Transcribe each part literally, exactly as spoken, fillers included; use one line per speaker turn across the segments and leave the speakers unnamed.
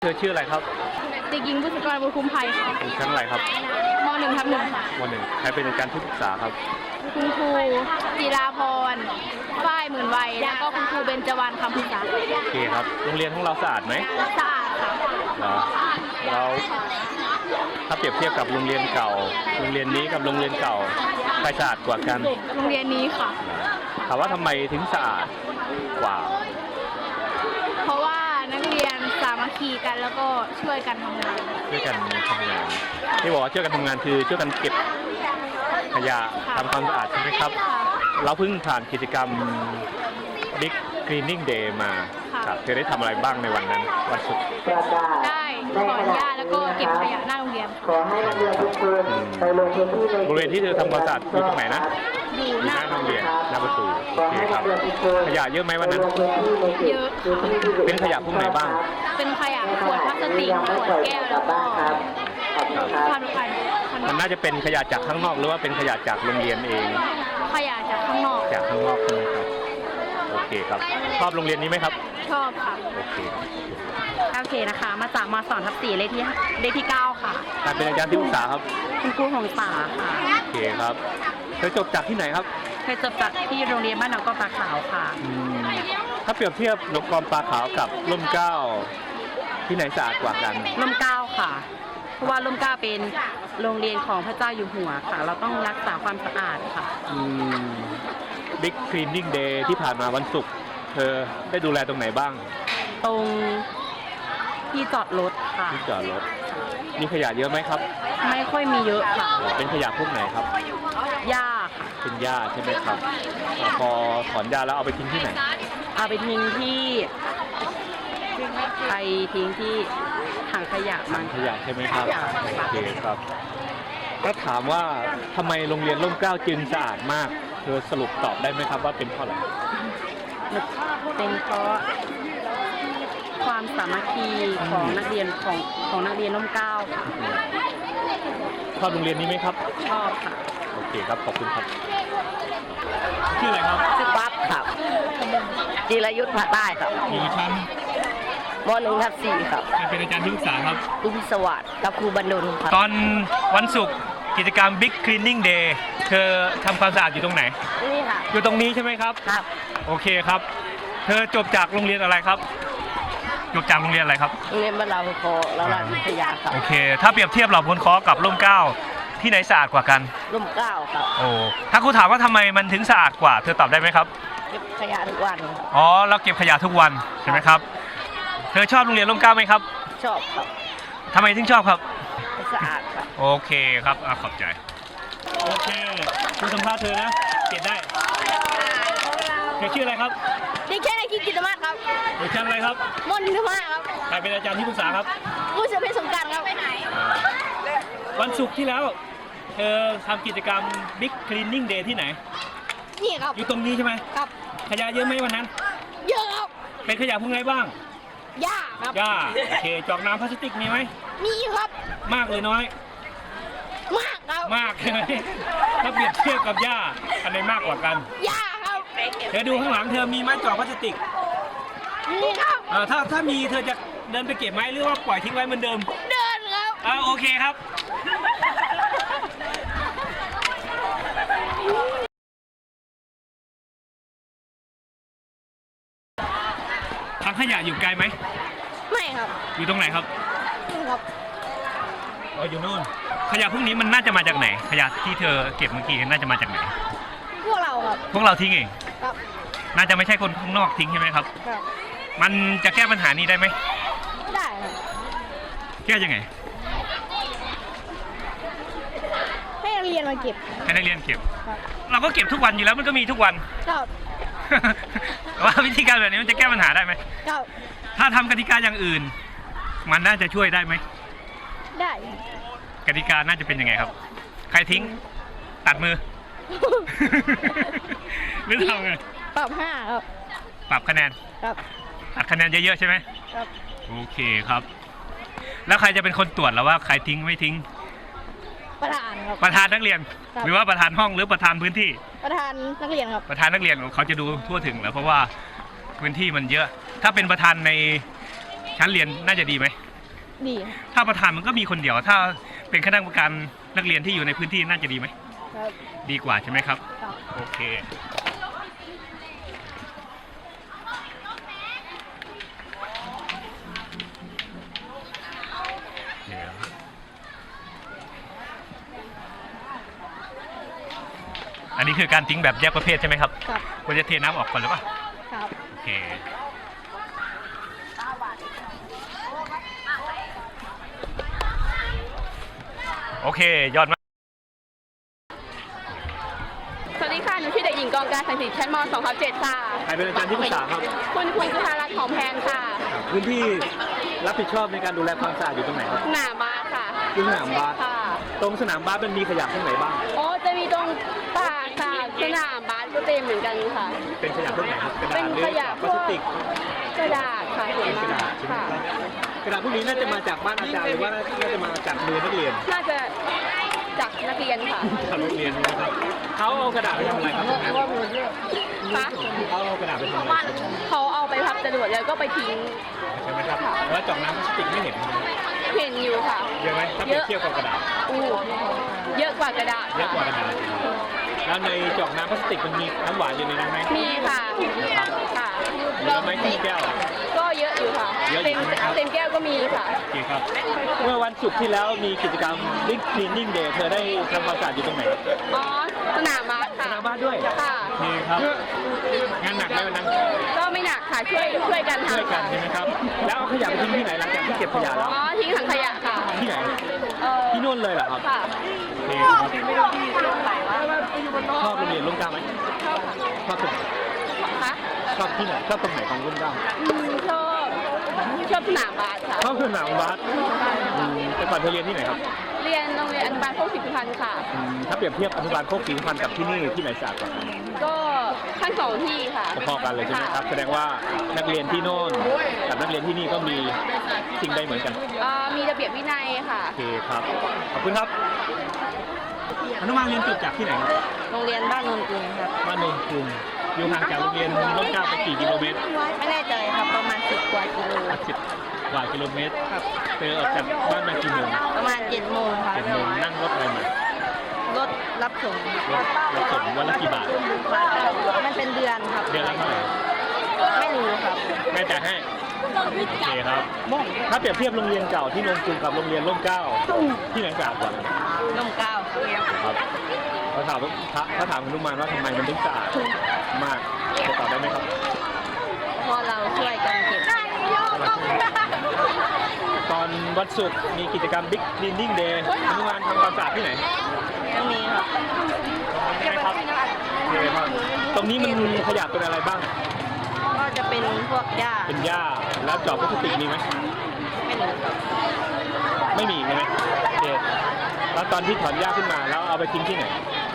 เธอชื่ออะไรครับ
เด็กหญิงบุษกรบุญคุ้มภัยค่ะ
อยู่ชั้นอะไรครับ
มหนึ่งทับหนึ่งค่ะ
มหนึ่งใครเป็นอาจารย์ที่ปรึกษาครับ
คุณครูจิราพรฝ้ายหมื่นวัยแล้วก็คุณครูเบญจวรรณคำพึกษา
โอเคครับโรงเรียนของเราสะอาดไหม
สะอาดค่ะ
เราถ้าเปรียบเทียบกับโรงเรียนเก่าโรงเรียนนี้กับโรงเรียนเก่าใครสะอาดกว่ากัน
โรงเรียนนี้ค่ะ
ถามว่าทำไมถึงสะอาดกว่า
เพราะว่านักเรียนสามัคคีกันแล้วก็ช่วยกันทำงาน
ช่วยกันทำงานที่บอกว่าช่วยกันทำงานคือช่วยกันเก็บขยะทำความสะอาดใช่ไหมครับเราเพิ่งผ่านกิจกรรม Big Cleaning Day มาครับเธอได้ทำอะไรบ้างในวันนั้นวันศุกร์
ได้ถอนหญ้าแล้วก็เก็บขยะหน้าโรงเรียน
ขอให้นักเรียนทุกคนไปลงพื้นที่ใน
บริเวณที่เธอทำความสะอาดอยู่ตรงไหนนะ
อยู่
หน้าโรงเรียนหน้าประตูโอเคครับขยะเยอะไหมวันนั้น
เยอะ
เป็นขยะพวกไหนบ้าง
เป็นขยะขวดพลาสติกขวดแก้วแล้วก็พันพัน
มันน่าจะเป็นขยะจากข้างนอกหรือว่าเป็นขยะจากโรงเรียนเอง
ขยะจากข้างนอก
จากข้างนอกใช่ไหมครับโอเคครับชอบโรงเรียนนี้ไหมครับ
ชอบค่ะ
โอเค
โอเคนะคะมาจากมสองทับสี่เลขที่เลขที่เก้าค่ะ
ใครเป็นอาจารย์ที่ปรึกษาครับ
คุณครูของป่าค่ะ
โอเคครับเธอจบจากที่ไหนครับ
เคยจบจากที่โรงเรียนบ้านหนองกอปลาขาวค่ะ
ถ้าเปรียบเทียบหนองกอปลาขาวกับร่มเกล้าที่ไหนสะอาดกว่ากัน
ร่มเกล้าค่ะเพราะว่าร่มเกล้าเป็นโรงเรียนของพระเจ้าอยู่หัวค่ะเราต้องรักษาความสะอาดค่ะ
Big Cleaning Day ที่ผ่านมาวันศุกร์เธอได้ดูแลตรงไหนบ้าง
ตรงที่จอดรถค่ะ
ที่จอดรถมีขยะเยอะไหมครับ
ไม่ค่อยมีเยอะค่ะ
เป็นขยะพวกไหนครับ
หญ้าค่ะ
เป็นหญ้าใช่ไหมครับพอถอนหญ้าแล้วเอาไปทิ้งที่ไหน
เอาไปทิ้งที่ไปทิ้งที่ถังขยะ
ถังขยะใช่ไหมครับโอเคครับถ้าถามว่าทำไมโรงเรียนร่มเกล้าจึงสะอาดมากเธอสรุปตอบได้ไหมครับว่าเป็นเพราะอะไร
เป็นเพราะความสามัคคีของนักเรียนของของนักเรียนร่มเกล้าค่ะ
ชอบโรงเรียนนี้ไหมครับ
ชอบค่ะ
โอเคครับขอบคุณครับชื่ออะไรครับ
ชื่อปั๊บครับจิรยุทธ์ผาใต้ครับ
อยู่ชั้น
มหนึ่งทับสี่ครับ
เป็นอาจารย์ที่ปรึกษาครับ
ลุงสวัสดิ์กับครูบรรดลครับ
ตอนวันศุกร์กิจกรรม Big Cleaning Day เธอทำความสะอาดอยู่ตรงไหน
นี่ค่ะ
อยู่ตรงนี้ใช่ไหมครับ
ครับ
โอเคครับเธอจบจากโรงเรียนอะไรครับจบจากโรงเรียนอะไรครับ
โรงเรียนบ้านเราโคราชวิทยาครับ
โอเคถ้าเปรียบเทียบเหล่าพลคอกับร่มเกล้าที่ไหนสะอาดกว่ากัน
ร่มเกล้าครับ
โอ้ถ้าครูถามว่าทำไมมันถึงสะอาดกว่าเธอตอบได้ไหมครับ
เก็บขยะทุกวัน
อ๋อเราเก็บขยะทุกวันใช่ไหมครับเธอชอบโรงเรียนร่มเกล้าไหมครับ
ชอบครับ
ทำไมถึงชอบครับ
สะอาดครับ
โอเคครับขอบใจโอเคคุณสัมภาษณ์เธอนะเก็บได้เธอชื่ออะไรครับ
ดิฉันนายกิตติมาศครับ
อยู่ชั้นอะไรครับ
มหนึ่งทับห้าครับ
ใครเป็นอาจารย์ที่ปรึกษาครับ
ผู้เสพสงการครับไปไหน
วันศุกร์ที่แล้วเธอทำกิจกรรม Big Cleaning Day ที่ไหน
นี่ครับ
อยู่ตรงนี้ใช่ไหม
ครับ
ขยะเยอะไหมวันนั้น
เยอะครับ
เป็นขยะพวกไหนบ้าง
หญ้าครับ
หญ้าโอเคจอกน้ำพลาสติกมีไหม
มีครับ
มากเลยน้อย
มากครับ
มากใช่ไหมถ้าเปรียบเทียบกับหญ้าอันไหนมากกว่ากัน
หญ้าครับ
เธอดูข้างหลังเธอมีไม้จอกพลาสติก
มีครับ
เออถ้าถ้ามีเธอจะเดินไปเก็บไหมหรือว่าปล่อยทิ้งไว้เหมือนเดิม
เดินครับ
อ่าโอเคครับถังขยะอยู่ไกลไหม
ไม่ครับ
อยู่ตรงไหนครับ
นี่ครับ
อ๋ออยู่นู่นขยะพวกนี้มันน่าจะมาจากไหนขยะที่เธอเก็บเมื่อกี้น่าจะมาจากไหน
พวกเราครับ
พวกเราทิ้งเอง
ครับ
น่าจะไม่ใช่คนข้างนอกทิ้งใช่ไหมครับ
ครับ
มันจะแก้ปัญหานี้ได้ไหม
ได้ครับ
แก้ยังไง
ให้นักเรียนมาเก็บ
ให้นักเรียนเก็บเราก็เก็บทุกวันอยู่แล้วมันก็มีทุกวัน
ครับ
ว่าวิธีการแบบนี้มันจะแก้ปัญหาได้ไหม
ครับ
ถ้าทำกติกาอย่างอื่นมันน่าจะช่วยได้ไหม
ได้
กติกาน่าจะเป็นยังไงครับใครทิ้งตัดมือหรือทำไง
ปรับห้าครับ
ปรับคะแนน
ครับ
ตัดคะแนนเยอะๆใช่ไหม
ครับ
โอเคครับแล้วใครจะเป็นคนตรวจแล้วว่าใครทิ้งไม่ทิ้ง
ประธานครับ
ประธานนักเรียนหรือว่าประธานห้องหรือประธานพื้นที่
ประธานนักเรียนครับ
ประธานนักเรียนเขาจะดูทั่วถึงแล้วเพราะว่าพื้นที่มันเยอะถ้าเป็นประธานในชั้นเรียนน่าจะดีไหม
ดี
ถ้าประธานมันก็มีคนเดียว ถ้าเป็นคณะกรรมการนักเรียนที่อยู่ในพื้นที่น่าจะดีไหม
ครับ
ดีกว่าใช่ไหมครับ
ครับ
โอเคอันนี้คือการทิ้งแบบแยกประเภทใช่ไหมครับ
ครับ
ควรจะเทน้ำออกก่อนหรือเปล่า
ครับ
โอเค โอเค ยอดมาก
สวัสดีค่ะ หนูชื่อเด็กหญิงกองการสังสิทธิ์ชั้นม สองทับเจ็ดค่ะ
ใครเป็นอาจารย์ที่ปรึกษาครับ
คุณคุณสุธารัตน์หอมแพงค่ะ
พื้นที่รับผิดชอบในการดูแลความสะอาดอยู่ตรงไหนครับ
สนามบาสค่ะ
ที่สนามบาส
ค่ะ
ตรงสนามบาสมันมีขยะตรงไหนบ้าง
โอ้จะมีตรงป่าค่ะสนามบาสก็เต็มเหมือนกันค่ะ
เป็นขยะตรงไหนครับ กระดาษ
เป็น
หรือ
ขยะ
พลาสติก
กระดาษค่ะส่วน
กระ
มา
ดาก ษใช่ไหม
ค่ะ
ครับกระดาษพวกนี้น่าจะมาจากบ้านอาจารย์หรือว่าน่าจะมาจากมือนักเรียน
น่าจะจากนักเรียนค่ะ
จากโรงเรียนนะครับเขาเอากระดาษไปทำอะไรครับ
คะ
เขาเอากระดาษไปทำอะไร
เขาเอาไปพับจรวดแล้วก็ไปทิ้ง
ใช่ไหมครับแล้วจอกน้ำพลาสติกไม่เห็น
เห็นอยู่ค่ะ
เยอะไหมถ้าเปรียบเทียบกับกระดาษ
อู้เยอะกว่ากระดาษ
เยอะ
ค่ะ
กว่ากระดาษแล้วในจอกน้ำพลาสติกมันมีน้ำหวานอยู่ในนั้นไหม
มีค่ะค่ะ
เยอะไหมที่แก้ว
ก็เยอะอยู่ค่ะ
เยอะอยู่
เต็ม
ใช่ไหมครับ
เต็มแก้วก็มีค่ะ
โอเคครับ เมื่อวันศุกร์ที่แล้วมีกิจกรรม Big Cleaning Day เธอได้ทำความสะอาดอยู่ตรงไหน
อ๋อสนามบาส
ส
ค่ะ
นามบ้านด้วย
ค่ะ
โอเคครับ งานหนักไหมวันนั้น
ก็ไม่หนักค่ะช่วยช่วยกัน
ช่วย
ทำ
กั
ค่ะ
นใช่ไหมครับ แล้วเอาขยะไปทิ้งที่ไหนหลังจากที่เก็บขยะแล้ว
อ๋อทิ้งถังขยะค่ะ
ที่ไหน
เออ
ที่นู่นเลยเหรอครับ
ค่ะ
โอเคครับ
ไหนวะ
ชอบโรงเรียนร่มเกล้าไหมชอบตรงไหน
คะ
ชอบที่ไหนชอบตรงไหนของร่มเกล้า
อืมชอบชอบสนามบาสค่ะ
ชอบสนามบาสอืมแต่ก่อนเธอเรียนที่ไหนครับ
เรียนโรงเรียนอนุบาลโคกสิบพันธ์ค่ะ
อืมถ้าเปรียบเทียบอนุบาลโคกศรีสุพรรณกับที่นี่ที่ไหนสะอาดกว่ากัน
ก็ทั้งสองที่ค่ะ
พอๆกันเลยใช่ไหมครับ แสดงว่านักเรียนที่โน่นกับนักเรียนที่นี่ก็มีสิ่งใดเหมือนกัน
เอ่อมีระเบียบวินัยค่ะ
โอเคครับ ขอบคุณครับ อนุบาลเรียนจบจากที่ไหนครับ
โรงเรียนบ้านนนท์กรุงครับ
บ้านโนนกรุงอยู่ห่างจากโรงเรียนร่มเกล้าไปกี่กิโลเมตร
ไม่แน่ใจครับประมาณสิบกว่ากิโล
สิบกว่ากิโลเมตรครับเธอออกจากบ้านมากี่โมง
ประมาณเจ็ดโมงค่ะ
เจ็ดโมงนั่งรถอะไรมาร
ถรับส่ง
รถรถส่งวันละกี่บาท
มันเป็นเดือนครับ
เดือนละเท่าไหร่
ไม่รู้ครับ
แม่จ่ายให้โอเคครับ ถ้าเปรียบเทียบโรงเรียนเก่าที่โนนกรุงกับโรงเรียนร่มเกล้าที่ไหนสะอาดกว่า
ลมเก้า
ครับเขาถามว่าเขาถามคุณลุงมานว่าทำไมมันถึงสะอาดมากจะตอบได้ไหมครับ
เพราะเราช่วยกันเก็บ
ตอนวันศุกร์มีกิจกรรม Big Cleaning Day อนุบาลทำความสะอาดที่ไหน
ยังมีครับ
ใช่ไหมครับโอเคครับ ตรงนี้มันมีขยะเป็นอะไรบ้าง
ก็จะเป็นพวกหญ้า
เป็นหญ้าแล้วจอบพลาสติกมีไหม
ไม่รู้ครับ
ไม่มีใช่ไหมโอเคแล้วตอนที่ถอนหญ้าขึ้นมาแล้วเอาไปทิ้งที่ไหน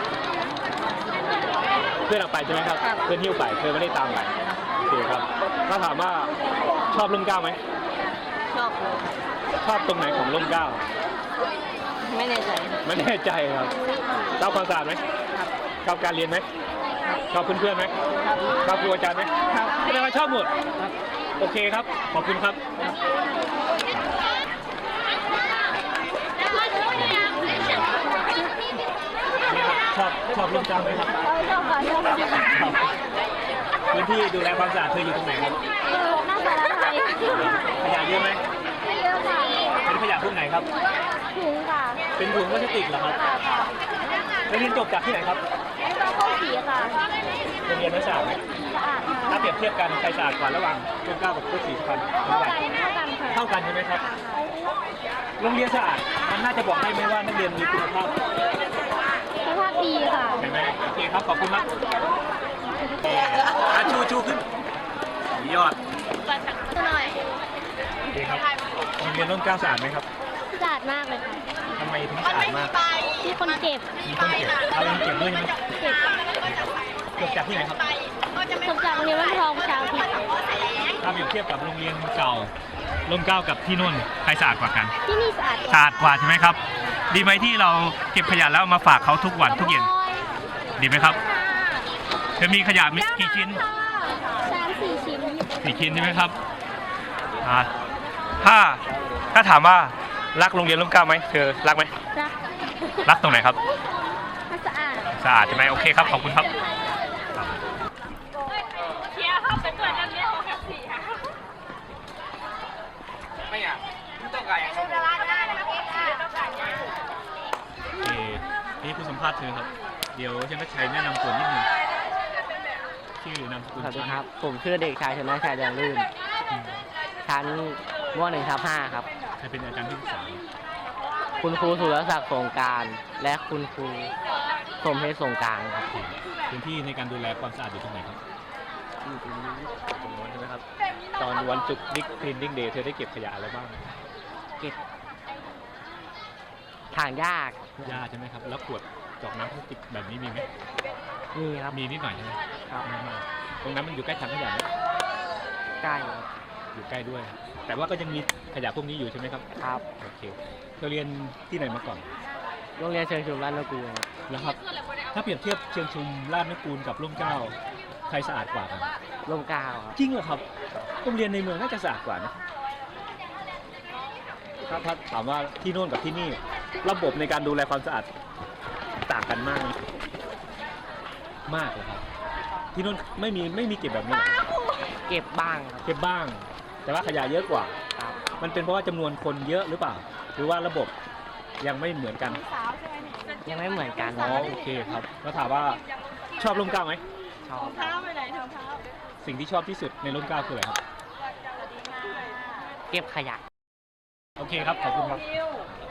เพื่อนเอาไปใช่ไหมครับ เพื่อนหิ้วไปเธอไม่ได้ตามไปโอเคครับถ้าถามว่าชอบร่มเกล้าไหม
ชอบเลย
ชอบตรงไหนของร่มเกล้า
ไม่แน่ใจ
ไม่แน่ใจครับชอบความสะอาดไหมชอบการเรียนไหมชอบเพื่อนๆไหมชอบครูอาจารย์ไหมแสดงว่าชอบหมดโอเคครับ ขอบคุณครับชอบชอบร่มเกล้าไหมครับ
ชอบค่ะชอบค่ะ
ครับพื้นที่ดูแลความสะอาดเธออยู่ตรงไหนครับ
เออหน้าสารไทย
ขยะเยอะไหม
ไม่เยอะค่ะ
เป็นขยะพวกไหนครับ
ถุงค่ะ
เป็นถุงพลาสติกเหรอครับแล้วเรียนจบจากที่ไหนครับ
เราเข้าสีค่ะ
โรงเรียนนักศึกษาไหม
สะอาดค่ะ
ถ้าเปรียบเทียบกันใครสะอาดกว่าระหว่างร่มเกล้ากับโคกศรีสุพรรณ
เท่ากันเท่ากันค่ะ
เท่ากันใช่ไหมครับ โรงเรียนสะอาดมันน่าจะบอกได้ไหมว่านักเรียนมีคุณภาพ
สภาพดีค่ะ
ใช่ไหมโอเคครับขอบคุณมากอ่ะชูชูขึ้นยอด
หน่อย
โอเคครับโรงเรียนร่มเกล้าสะอาดไหมครับ
สะอาดมากเลยค่ะ
ทำไมถึงสะอาดมาก
มีคนเก็บ
มีคนเก็บเอาเองเก็บด้วยใช่ไหม
เก็บ
จบจากที่ไหนครับ
จบจากโรงเรียนวัดทองประชาธิปไตย
ถ้าเปรียบเทียบกับโรงเรียนเก่าร่มเกล้ากับที่นู่นใครสะอาดกว่ากัน
ที่นี่สะอาด
สะอาดกว่าใช่ไหมครับ ดีไหมที่เราเก็บขยะแล้วเอามาฝากเขาทุกวันทุกเย็นดีไหมครับจะมีขยะมีกี่ชิ้น
สามสี่ชิ้น
สี่ชิ้นใช่ไหมครับอ่าถ้าถ้าถามว่ารักโรงเรียนร่มเกล้าไหมเธอรักไหม
รัก
รักตรงไหนครับ
สะอาด
สะอาดใช่ไหมโอเคครับขอบคุณครับโอเคนี่คุณสัมภาษณ์เธอครับ เดี๋ยวฉันก็ชัยแนะนำตัวนิดนึงชื่อนามสกุล
สวัสดีครับ ผมชื่อเด็กชายชนะชัยแดงลื่น ชั้นมหนึ่งทับห้าครับ
ใครเป็นอาจารย์ที่ปรึกษา
คุณครูสุรศักดิ์สงกราร และคุณครูสมเพชรสงกรารครับ
พื้นที่ในการดูแลความสะอาดอยู่ตรงไหนครับ
อยู่ตรงนี้
ตรงนู้นใช่ไหมครับ ตอนวันศุกร์บิ๊กคลีนนิ่งเดย์เธอได้เก็บขยะอะไรบ้าง
เก็บทางยาก
หญ้าใช่ไหมครับ แล้วขวดจอกน้ำพลาสติกแบบนี้มีไหม
นี่ครับ
มีนิดหน่อยใช่ไหม
ครับ
ไม่มากตรงนั้นมันอยู่ใกล้ถังขยะไหม
ใกล้
อยู่ใกล้ด้วย แต่ว่าก็ยังมีขยะพวกนี้อยู่ใช่ไหมครับ
ครับ
โอเคเธอเรียนที่ไหนมาก่อน
โรงเรียนเชิงชุมราชนกูลครับ
แล้วครับ ถ้าเปรียบเทียบเชียงชุมราชนกูลกับร่มเกล้าใครสะอาดกว่ากัน
ร่มเกล้าครับ
จริงเหรอครับโรงเรียนในเมืองน่าจะสะอาดกว่านะถ้าถ้าถามว่าที่โน่นกับที่นี่ ระบบในการดูแลความสะอาดต่างกันมากไหมมากเลยครับ ที่โน่นไม่มีไม่มีเก็บแบบนี้เหรอ
เก็บบ้างครับ
เก็บบ้าง แต่ว่าขยะเยอะกว่า
ครับ
มันเป็นเพราะว่าจำนวนคนเยอะหรือเปล่า หรือว่าระบบยังไม่เหมือนกัน
ยังไม่เหมือนกัน
อ๋อโอเคครับแล้วถามว่าชอบร่มเกล้าไหม
ชอบ
สิ่งที่ชอบที่สุดในร่มเกล้าคืออะไรครับ
เก็บขยะ
โอเคครับ ขอบคุณครับ